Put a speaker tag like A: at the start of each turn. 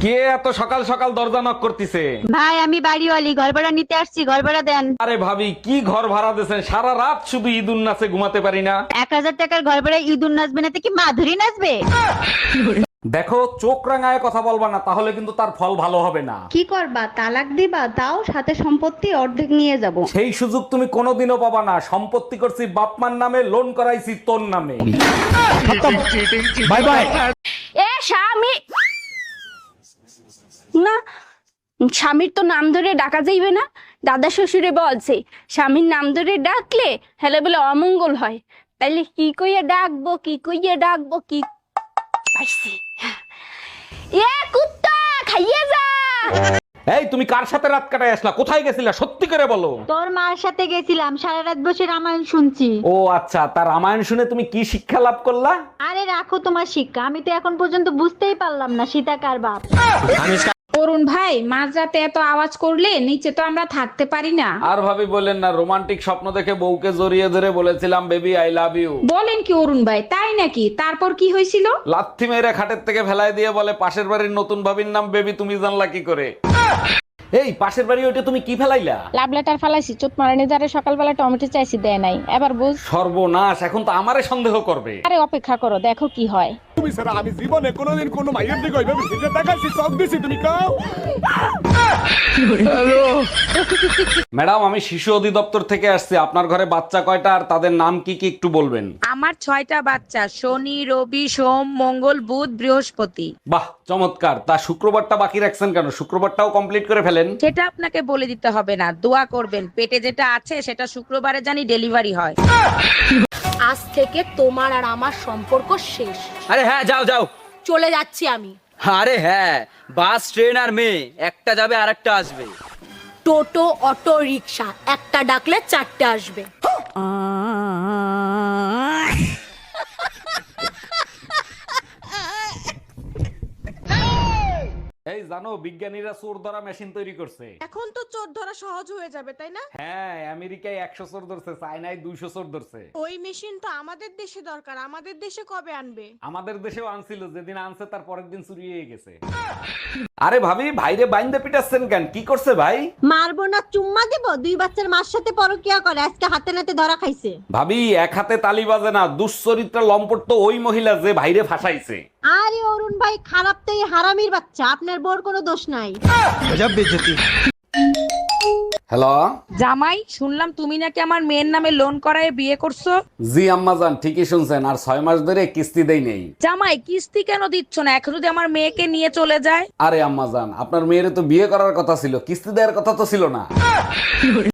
A: কে এত সকাল সকাল দরজা নক করতেছে?
B: ভাই আমি বাড়িওয়ালি, ঘর ভাড়া নিতে আসছি, ঘর ভাড়া দেন।
A: আরে ভাবি, কি ঘর ভাড়া দিয়েছেন? সারা রাত শুধু ঈদুন নাচে ঘুমাতে পারি না।
B: 1000 টাকার ঘর ভাড়া ইঁদুর নাচবে না তো কি মাধুরী নাচবে?
A: দেখো, চোখ রাঙায় কথা বলবা না, তাহলে কিন্তু তার ফল ভালো হবে না।
C: কি করবা, তালাক দিবা? তাও সাথে সম্পত্তি অর্ধেক নিয়ে যাব।
A: সেই সুযোগ তুমি কোনোদিনও পাবা না। সম্পত্তি করছি বাপমার নামে, লোন করাইছি তোর নামে। Bye bye.
D: এ স্বামী না, স্বামীর তো নাম ধরে ডাকা যাইবে না। দাদা শ্বশুরে বলছে স্বামীর নাম ধরে ডাকলে হেলে বলে অমঙ্গল হয়। তাইলে কি কইয়া ডাকবো, কি কইয়া ডাকবো, কি পাইছি। এ কুত্তা খাইয়ে যা।
A: এই, তুমি কার সাথে রাত কাটায় আসলা? কোথায় গেছিলা? সত্যি করে বলো।
B: তোর মার সাথে গেছিলাম, সারা রাত বসে রামায়ণ শুনছি।
A: ও আচ্ছা, তার রামায়ণ শুনে তুমি কি শিক্ষা লাভ করলা?
B: আরে রাখো তোমার শিক্ষা, আমি তো এখন পর্যন্ত বুঝতেই পারলাম না সীতা কার বাপ।
E: অরুণ ভাই, মাঝরাতে এত আওয়াজ করলে নিচে তো আমরা থাকতে পারি না।
A: আর ভাবি বলেন না, রোমান্টিক স্বপ্ন দেখে বউকে জড়িয়ে ধরে বলেছিলাম বেবি আই লাভ ইউ।
E: বলেন কি অরুণ ভাই, তাই নাকি? তারপর কি হয়েছিল?
A: লাথি মেরে খাটের থেকে ফেলাই দিয়ে বলে পাশের বাড়ির নতুন ভাবির নাম বেবি, তুমি জানলা কি করে? এই পাশের বাড়ি ওইটা তুমি কি ফেলাইলা?
F: লাভ লেটার ফালাইছি, চোট মারানি যারে সকালবেলা টমেটো চাইছি দেয় নাই, এবার বুঝ।
A: সর্বনাশ, এখন তো আমারে সন্দেহ করবে।
F: আরে অপেক্ষা করো, দেখো কি হয়।
G: আমি জীবনে কোনোদিন কোনো মাইয়ের দিকে ওইভাবে ফিরে তাকাইছি, চোখ দিছি, তুমি কাও।
A: ম্যাডাম, আমি শিশু অধিদপ্তর থেকে আসছি। আপনার ঘরে বাচ্চা কয়টা আর তাদের নাম কি কি একটু বলবেন?
H: আমার 6টা বাচ্চা, শনি, রবি, সোম, মঙ্গল, বুধ, বৃহস্পতি।
A: বাহ, চমৎকার। তা শুক্রবারটা বাকি রাখছেন কেন? শুক্রবারটাও কমপ্লিট করে ফেলেন।
H: সেটা আপনাকে বলে দিতে হবে না, দোয়া করবেন পেটে যেটা আছে সেটা শুক্রবারে জানি ডেলিভারি হয়।
D: আজ থেকে তোমার আর আমার সম্পর্ক শেষ।
I: আরে হ্যাঁ, যাও যাও।
D: চলে যাচ্ছি আমি।
I: আরে হ্যাঁ, বাস, ট্রেন আর মেয়ে, একটা যাবে আর একটা আসবে।
D: টোটো, অটো, রিক্সা, একটা ডাকলে 4টে আসবে।
A: এই জানো, বিজ্ঞানীরা চোর ধরা মেশিন তৈরি করছে।
H: এখন তো চোর ধরা সহজ হয়ে যাবে, তাই না?
A: হ্যাঁ, আমেরিকায় 100 চোর ধরছে, চায়নায় 200 চোর ধরছে।
H: ওই মেশিন তো আমাদের দেশে দরকার, আমাদের দেশে কবে আনবে?
A: আমাদের দেশেও আনছিল, যেদিন আনছে তার পরের দিন চুরি হয়ে গেছে। আরে ভাবি, ভাইরে বাইন্দে পিটাচ্ছেন কেন? কি করছে ভাই?
B: মারবো না, চুম্মা দেবো? 2 বাচ্চার মার সাথে পরকিয়া করে, আজকে হাতে নাতে ধরা খাইছে।
A: ভাবি, এক হাতে তালি বাজে না। দুশ্চরিত্রা লম্পট তো ওই মহিলা যে ভাইরে ফাঁসাইছে।
B: আরে অরুণ ভাই, খারাপ তো এই হারামির বাচ্চা, আপনার বোর কোনো দোষ নাই।
A: হ্যালো।
H: জামাই, শুনলাম তুমি নাকি আমার মেয়ের নামে লোন করায় বিয়ে করছো।
A: জি আম্মাজান, ঠিকই শুনছেন। আর 6 মাস ধরে কিস্তি দেই নেই।
H: জামাই, কিস্তি কেন দিচ্ছ না? এখন যদি আমার মেয়েকে নিয়ে চলে যায়।
A: আরে আম্মাজান, আপনার মেয়ের তো বিয়ে করার কথা ছিল, কিস্তি দেওয়ার কথা তো ছিল না।